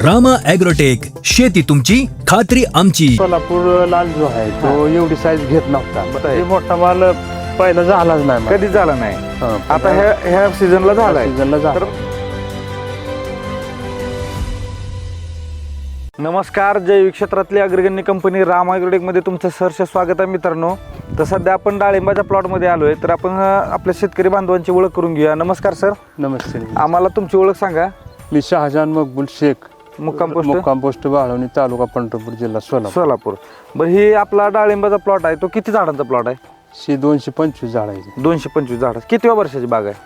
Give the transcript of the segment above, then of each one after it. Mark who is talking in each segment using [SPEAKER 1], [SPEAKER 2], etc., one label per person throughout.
[SPEAKER 1] Rama agrotech, शेती तुमची खात्री आमची.
[SPEAKER 2] सोलापूर लाल जो आहे तो एवढी साईज घेत नव्हता. हे मोठा माल पहिला झालाच नाही,
[SPEAKER 3] कधी झाला नाही. आता ह्या सीझनला झालाय. नमस्कार, जैविक क्षेत्रातली अग्रगण्य कंपनी रामा ॲग्रोटेक मध्ये तुमचं सहर्ष स्वागत आहे मित्रांनो. तर सध्या आपण डाळिंबाच्या प्लॉटमध्ये आलोय, तर आपण आपल्या शेतकरी बांधवांची ओळख करून घेऊया. नमस्कार सर.
[SPEAKER 2] नमस्ते.
[SPEAKER 3] आम्हाला तुमची ओळख सांगा.
[SPEAKER 2] मी शहाजान मकबूल शेख,
[SPEAKER 3] मुक्काम
[SPEAKER 2] पोस्ट बाळवणी, तालुका पंढरपूर, जिल्हा
[SPEAKER 3] सोलापूर. बरं, ही आपला डाळिंबाचा प्लॉट आहे, तो किती झाडांचा प्लॉट आहे?
[SPEAKER 2] 225 झाड आहे.
[SPEAKER 3] 225 झाड. कितव्या वर्षाची बाग आहे?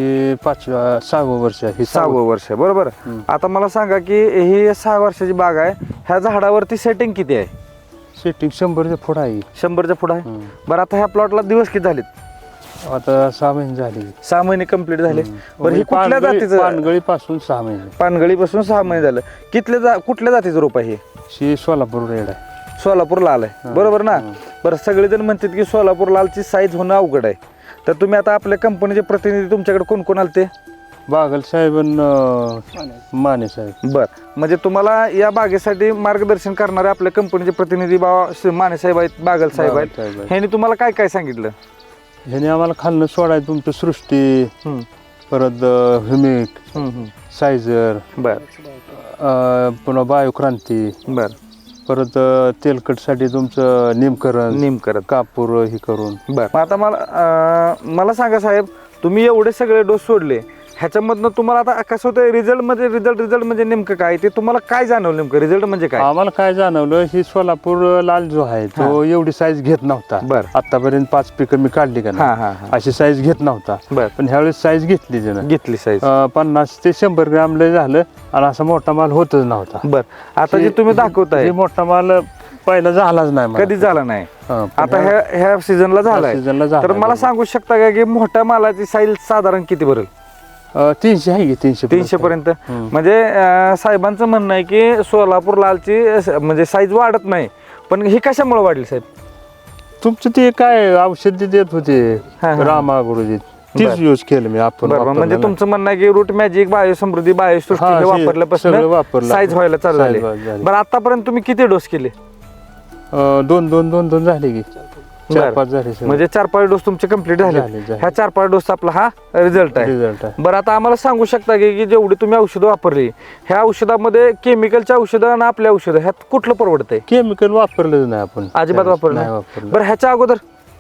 [SPEAKER 2] 6वं वर्ष आहे.
[SPEAKER 3] 6वं वर्ष आहे, बरोबर. आता मला सांगा की ही 6 वर्षाची बाग आहे, ह्या झाडावरती सेटिंग किती आहे?
[SPEAKER 2] सेटिंग 100च्या पुढं आहे.
[SPEAKER 3] 100च्या पुढं आहे. बरं, आता ह्या प्लॉटला दिवस किती झालेत?
[SPEAKER 2] आता 6 महिने झाले.
[SPEAKER 3] 6 महिने कंप्लीट झाले. बरं, ही कुठल्या जातीचं?
[SPEAKER 2] पानगळी पासून 6 महिने.
[SPEAKER 3] पानगळीपासून 6 महिने झालं. कुठल्या जातीचं रोप आहे हे?
[SPEAKER 2] सोलापूर रेड आहे.
[SPEAKER 3] सोलापूर लाल आहे, बरोबर ना. बरं, सगळेजण म्हणतात की सोलापूर लालची साईज होणं अवघड आहे. तर तुम्ही आता आपल्या कंपनीचे प्रतिनिधी तुमच्याकडे कोण कोण आलते?
[SPEAKER 2] बागल साहेब, माने साहेब.
[SPEAKER 3] बर, म्हणजे तुम्हाला या बागेसाठी मार्गदर्शन करणारे आपल्या कंपनीचे प्रतिनिधी माने साहेब आहेत, बागल साहेब आहेत. ह्यांनी तुम्हाला काय काय सांगितलं?
[SPEAKER 2] ह्याने आम्हाला खाल्लं सोडायचं तुमचं सृष्टी, परत ह्युमिक, सायझर,
[SPEAKER 3] बर,
[SPEAKER 2] पुन्हा बायोक्रांती,
[SPEAKER 3] बर,
[SPEAKER 2] परत तेलकटसाठी तुमचं निमकरण कापूर हे करून.
[SPEAKER 3] बर, आता मला सांगा साहेब, तुम्ही एवढे सगळे डोस सोडले, ह्याच्यामधनं तुम्हाला आता कसं होतं? रिझल्ट म्हणजे नेमकं काय ते तुम्हाला काय जाणवलं? नेमकं रिझल्ट म्हणजे काय?
[SPEAKER 2] आम्हाला काय जाणवलं, ही सोलापूर लाल जो आहे तो एवढी साईज घेत नव्हता.
[SPEAKER 3] बर,
[SPEAKER 2] आतापर्यंत 5 पिकं मी काढली का नाही, अशी साईज घेत नव्हता.
[SPEAKER 3] बर,
[SPEAKER 2] पण ह्यावेळेस साईज घेतली
[SPEAKER 3] साईज
[SPEAKER 2] 50 ते 100 ग्रॅम लय झालं, आणि असा मोठा माल होतच नव्हता.
[SPEAKER 3] बर, आता जे तुम्ही दाखवताय
[SPEAKER 2] मोठा माल पहिला झालाच नाही,
[SPEAKER 3] कधी झाला नाही. आता ह्या सीझनला झालाय. तर मला सांगू शकता का की मोठ्या मालाची साईज साधारण किती भरेल?
[SPEAKER 2] 300 आहे की 300
[SPEAKER 3] पर्यंत. म्हणजे साहेबांचं म्हणणं आहे की सोलापूर लालची म्हणजे साईज वाढत नाही, पण ही कशामुळे वाढली साहेब?
[SPEAKER 2] तुमचं ते काय औषध देत होते रामा गुरुजी, तीच यूज केलं मी. आपण
[SPEAKER 3] म्हणजे तुमचं म्हणणं आहे की रूट मॅजिक, बायोसमृद्धी, बायोसृष्टी वापरल्यापासून साईज व्हायला चालू झाली. बरं, आतापर्यंत तुम्ही किती डोस केले?
[SPEAKER 2] 2 झाले की 4-5 झाले.
[SPEAKER 3] म्हणजे 4-5 डोस तुमचे कंप्लीट झाले. ह्या 4-5 डोस आपला हा रिझल्ट आहे. बरं, आता आम्हाला सांगू शकता की जेवढी तुम्ही औषधं वापरली, ह्या औषधामध्ये केमिकलच्या औषधं आणि आपल्या औषधं ह्यात कुठलं परवडतंय?
[SPEAKER 2] केमिकल वापरलं नाही आपण,
[SPEAKER 3] अजिबात वापरलं नाही. बरं, ह्याच्या अगोदर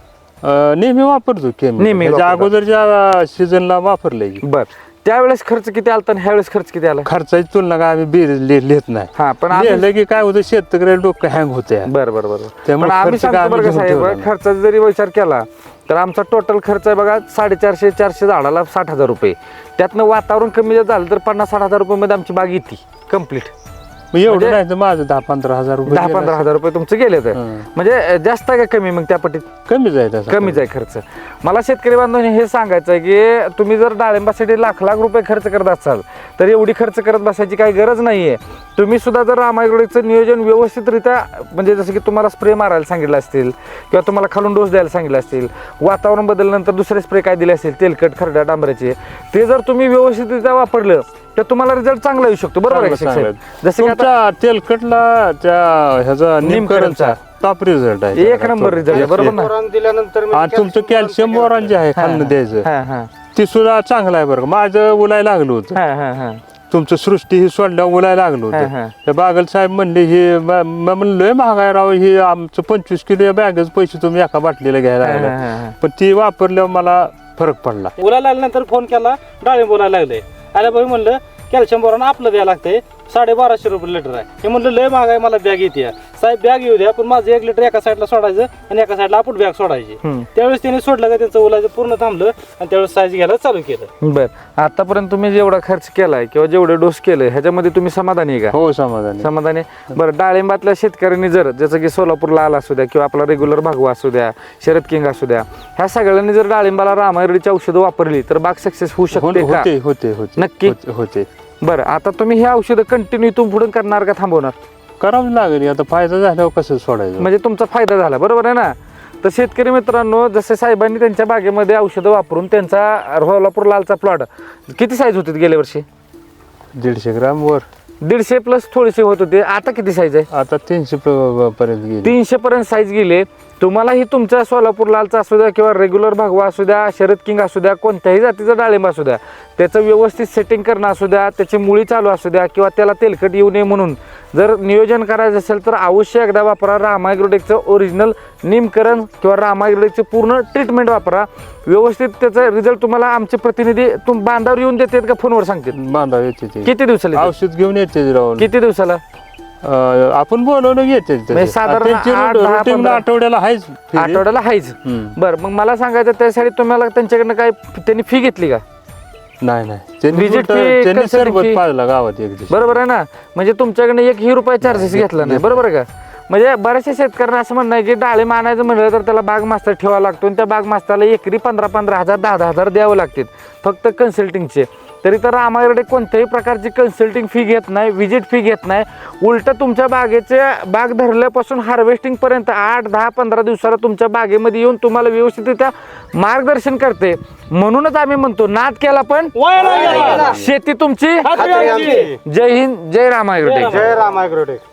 [SPEAKER 2] नेहमी वापरतो केमिकल. अगोदरच्या सीझनला वापरलंय.
[SPEAKER 3] बर, त्यावेळेस खर्च किती आला आणि ह्यावेळेस खर्च किती आला?
[SPEAKER 2] खर्चाची तुलना काय आम्ही लिहित नाही.
[SPEAKER 3] पण
[SPEAKER 2] लिहिलं की काय होतं, शेतकऱ्याला डोकं हँग होते.
[SPEAKER 3] बरोबर. पण आम्ही सांगतो बरं का साहेब, खर्चाचा जरी विचार केला तर आमचा टोटल खर्च आहे बघा 450 झाडाला 60,000 रुपये. त्यातनं वातावरण कमी झालं तर 50-60 हजार रुपये मध्ये आमची बाग येते कम्प्लीट.
[SPEAKER 2] एवढं नाही तर माझं 10-15 हजार रुपये,
[SPEAKER 3] 10-15 हजार रुपये तुमचे गेले. तर म्हणजे जास्त आहे का कमी? मग त्या पटीत कमीच आहे खर्च. मला शेतकरी बांधवांनी हे सांगायचं आहे की तुम्ही जर डाळिंबासाठी लाख रुपये खर्च करत असाल तर एवढी खर्च करत बसायची काही गरज नाहीये. तुम्ही सुद्धा जर रामा ॲग्रोटेकचं नियोजन व्यवस्थितरित्या, म्हणजे जसं की तुम्हाला स्प्रे मारायला सांगितलं असतील किंवा तुम्हाला खालून डोस द्यायला सांगितलं असतील, वातावरण बदलल्यानंतर दुसरे स्प्रे काय दिले असतील तेलकट, खरड्या, डांबऱ्याचे, ते जर तुम्ही व्यवस्थितरित्या वापरलं तर तुम्हाला रिझल्ट चांगला येऊ शकतो. बरोबर आहे? जसं की आता
[SPEAKER 2] तेलकटला ह्याचा निमकरणचा टॉप रिझल्ट आहे,
[SPEAKER 3] 1 नंबर रिझल्ट आहे. बरोबर ना.
[SPEAKER 2] आणि तुमचं कॅल्शियम बोरॉन जे आहे खाल्लं द्यायचं, ते सुद्धा चांगलं आहे. बरं, माझं उलायला लागलं होतं. तुमचं सृष्टी ही सोडल्या उलायला लागलं होतं. त्या बागल साहेब म्हणले, हे म्हणलोय महागाय राव, हे आमचं 25 किलो बॅगच पैसे तुम्ही एका बाटलीला घ्यायला लागला. पण ती वापरल्यावर मला फरक पडला.
[SPEAKER 4] उलायला लागल्यानंतर फोन केला, डाळिंब बोलायला लागले. आल्या भाई म्हणलं कॅल्शियम बोरॉन आपलं द्यायला लागतंय, 1250 रुपये लिटर आहे. हे म्हणलं लय महाग आहे, मला बॅग येते. साहेब बॅग येऊ द्या, पण माझं 1 लिटर एका साईडला सोडायचं आणि एका साईडला आपण बॅग सोडायची. त्यावेळेस त्यांनी सोडलं का त्यांचं उलायचं पूर्ण थांबलं आणि त्यावेळेस साईज घ्यायला चालू केलं.
[SPEAKER 3] बर, आतापर्यंत तुम्ही जेवढा खर्च केलाय किंवा जेवढे डोस केले ह्याच्यामध्ये तुम्ही समाधानी आहे का?
[SPEAKER 2] हो, समाधानी.
[SPEAKER 3] बरं, डाळिंबातल्या शेतकऱ्यांनी जर, जसं की सोलापूर लाल असू द्या किंवा आपला रेग्युलर भागवा असू द्या, शरद किंग असू द्या, ह्या सगळ्यांनी जर डाळिंबाला रामा ॲग्रोटेकची औषधं वापरली तर बाग सक्सेस होऊ शकते का?
[SPEAKER 2] होते
[SPEAKER 3] नक्की
[SPEAKER 2] होते.
[SPEAKER 3] बरं, आता तुम्ही हे औषधं कंटिन्यू इथून पुढे करणार का थांबवणार?
[SPEAKER 2] करावं लागेल. आता फायदा झाल्यावर कसं सोडायचं?
[SPEAKER 3] म्हणजे तुमचा फायदा झाला, बरोबर आहे ना. तर शेतकरी मित्रांनो, जसे साहेबांनी त्यांच्या बागेमध्ये औषधं वापरून त्यांचा सोलापूर लालचा प्लॉट किती साईज होती गेल्या वर्षी?
[SPEAKER 2] 150 ग्राम वर
[SPEAKER 3] 150 प्लस थोडीशी होत होते, आता किती साईज आहे?
[SPEAKER 2] आता 300 पर्यंत गेली.
[SPEAKER 3] 300 पर्यंत साईज गेले. तुम्हाला ही तुमच्या सोलापूर लालचा असू द्या किंवा रेग्युलर भगवा असू द्या, शरद किंग असू द्या, कोणत्याही जातीचं डाळिंब असू द्या, त्याचं व्यवस्थित सेटिंग करणं असू द्या, त्याची मुळी चालू असू द्या किंवा त्याला तेलकट येऊ नये म्हणून जर नियोजन करायचं असेल तर अवश्य एकदा वापरा रामा ॲग्रोटेकचं ओरिजिनल निमकरण किंवा रामा ॲग्रोटेकची पूर्ण ट्रीटमेंट वापरा. व्यवस्थित त्याचा रिझल्ट तुम्हाला आमचे प्रतिनिधी बांधावर येऊन देतात का फोनवर सांगतात?
[SPEAKER 2] बांधाव येते ते.
[SPEAKER 3] किती दिवसाला येतात?
[SPEAKER 2] औषध घेऊन येते राहून.
[SPEAKER 3] किती दिवसाला?
[SPEAKER 2] आपण बोलवलं घेते
[SPEAKER 3] म्हणजे साधारण 8-10
[SPEAKER 2] आठवड्याला आहेच.
[SPEAKER 3] आठवड्याला हायच. बरं, मग मला सांगायचं त्यासाठी तुम्हाला त्यांच्याकडनं काय त्यांनी फी घेतली का?
[SPEAKER 2] नाही नाही, त्यांनी
[SPEAKER 3] Visit
[SPEAKER 2] फक्त-
[SPEAKER 3] fee,
[SPEAKER 2] त्यांनी
[SPEAKER 3] consulting
[SPEAKER 2] सरबत
[SPEAKER 3] fee.
[SPEAKER 2] पाजला गावात एक दिवशी.
[SPEAKER 3] बरोबर आहे ना? म्हणजे तुमच्याकडनं एकही रुपये चार्जेस घेतला नाही, बरोबर आहे का? म्हणजे बऱ्याचशा शेतकऱ्यांना असं म्हणणं आहे की डाळिंब आणायचं म्हणलं तर त्याला बाग मास्तर ठेवावा लागतो आणि त्या बाग मास्तरला एकरी 15-15 हजार 10-10 हजार द्यावं लागतात फक्त कन्सल्टिंगचे. तरी तर आम्हाकडे कोणत्याही प्रकारची कन्सल्टिंग फी घेत नाही, विजिट फी घेत नाही. उलट तुमच्या बागेचे बाग धरल्यापासून हार्वेस्टिंग पर्यंत 8-10-15 दिवसाला तुमच्या बागेमध्ये येऊन तुम्हाला व्यवस्थितरित्या मार्गदर्शन करते. म्हणूनच आम्ही म्हणतो नाद केला पण शेती तुमची. जय हिंद, जय रामा ॲग्रोटेक.
[SPEAKER 4] जय राम ॲग्रोटेक.